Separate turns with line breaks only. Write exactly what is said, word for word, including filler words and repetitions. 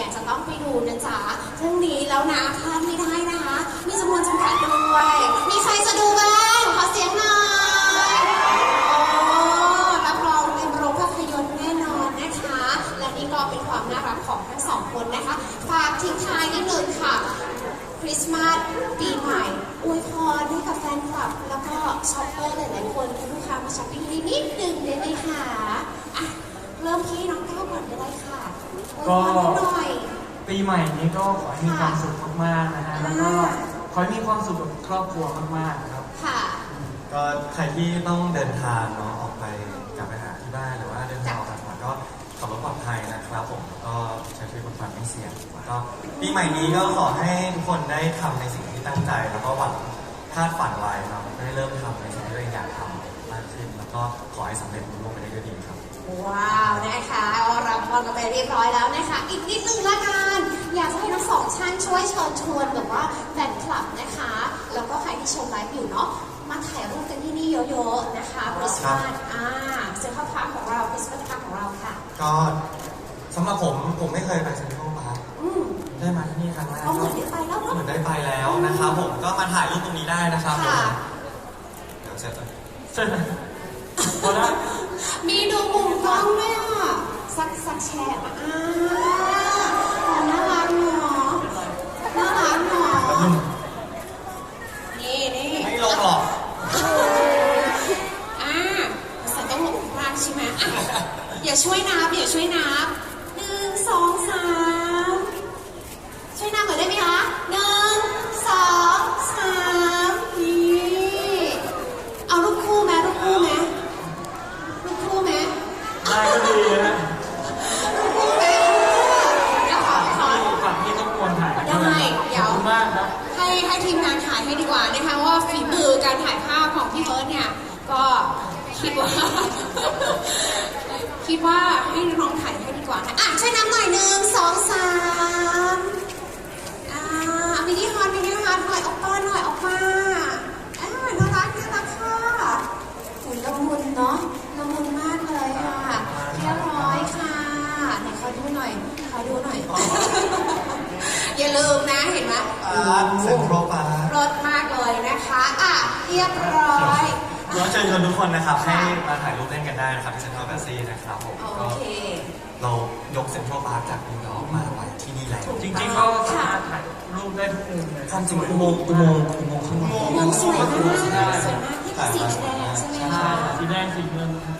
เนี่ยจะต้องไปดูนะจ๊ะเรื่องนี้แล้วนะพลาดไม่ได้นะคะมีจำนวนจำกัดด้วยมีใครจะดูบ้างขอเสียงหน่อยโอ้รับรองเป็นโรงภาพยนตร์แน่นอนนะคะและนี่ก็เป็นความน่ารักของทั้งสองคนนะคะฝากทิ้งท้ายนิดนึงค่ะคริสต์มาสปีใหม่อวยพรให้กับแฟนคลับแล้วก็ช็อปเปอร์หลายๆคนลูกค้ามาช้อปปิ้งนิดนึงได้ไหมคะอ่ะเริ่มที่น้องก้าวก่อนก็ได้ค่ะอวยพรนิดหน่อย
ปีใหม่นี้ก็ขอให้มีความสุขมากๆนะฮะแล้วก็ขอให้มีความสุขกับครอบครัวมากๆครับ
ค่ะ
ก็ใครที่ต้องเดินทางเนาะออกไปกลับไปหาที่บ้านหรือว่าเดินทางออกจากจังหวัดก็ขับรถปลอดภัยนะครับผมก็ใช้ชีวิตบนความไม่เสี่ยงแล้วก็ปีใหม่นี้ก็ขอให้ทุกคนได้ทำในสิ่งที่ตั้งใจแล้วก็หวังคาดฝันไว้เนาะได้เริ่มทำในสิ่งที่ตัวเองอยากทำมากขึ้นแล้วก็ขอให้สำเร็จรุ่งเรืองไปได้ด้วยดีครับ
ว้าวนะคะรับพรกันไปเรียบร้อยแล้วนะคะอีกนิดนึงละกันอยากจะให้ทั้งสองท่านช่วยเชิญชวนแบบว่าแฟนคลับนะคะแล้วก็ใครที่ชมไลฟ์อยู่เนาะมาถ่ายรูปกันที่นี่เยอะๆนะคะคริสต์มาสอ่าเซ็นทรัลพาร์คของเราคริสต์มาสพาร์คของเราค่ะ
ก็สำหรับผมผมไม่เคยไปเซ็นทรัลพาร์คได้มาที่นี่ครั้งแรก
ก็เหมือนได้ไปแล้วเนาะ
เหมือนได้ไปแล้วนะครับผมก็มาถ่ายรูปตรงนี้ได้นะครับผมเดี๋ยวเสร็จเลย
เสร็จพอแล้ว
มีดูมุมกล้องด้วยอ่ะสักสักแชร์อ่าน่ารักเนาะน่ารักเนาะนี่นี่
ไม่ลงหรอก
อ่าสัตว์ต้องลงพลาดใช่ไหมอย่าช่วยนับอย่าช่วยนับหนึ่งสองสามช่วยนับหน่อยได้ไหมคะหนึ่งสองสามนี่เอารูปคู่ไหมรูปคู่ไหมรูปคู่ไหม
ได้ก็ดีนะ
รูปคู่ไหมแล้วขอขอ
ฝั่งที่ต้องควรถ่าย
ได้เดี๋ยว
มากครับ
ให้ให้ทีมงานถ่ายให้ดีกว่านะคะว่าฝีมือการถ่ายภาพของพี่เบิร์ดเนี่ยก็คิดว่าคิดว่าให้น้องถ่ายให้ดีกว่านะอ่ะช่วยน้ำหน่อยหนึ่งสองสามอ่ามินิฮอตมินิฮอตหน่อยออกมาหน่อยออกมาอ่าน่ารักน่ารักค่ะหุ่นละมุนเนาะละมุนมากเลยค่ะเรียบร้อยค่ะไหนขอดูหน่อยขอดูหน่อยอย่าลืมนะเห็นไหม
เซ็นทรัลพาร์ค
รสมากเลยนะคะอ่ะเรียบร้อย
ขอเชิญชวนทุกคนนะครับให้มาถ่ายรูปเล่นกันได้นะครับที่เซ็นทรัลแบสซีนะครับผม
โอเค
เรายกเซ็นทรัลพาร์คจากนิวยอร์กมาไว้ที่นี่แล้ว
จริงๆก็สามารถถ่ายรูปได้ทุกมุมเลย
ความจริงอุโมงค์อุโมงค์อุโมงค์ข้างบน
อุโมงค์สวยมากสวยมากที่เป็นสีแดงใช่ไหมคะ
สีแดงสีเงิน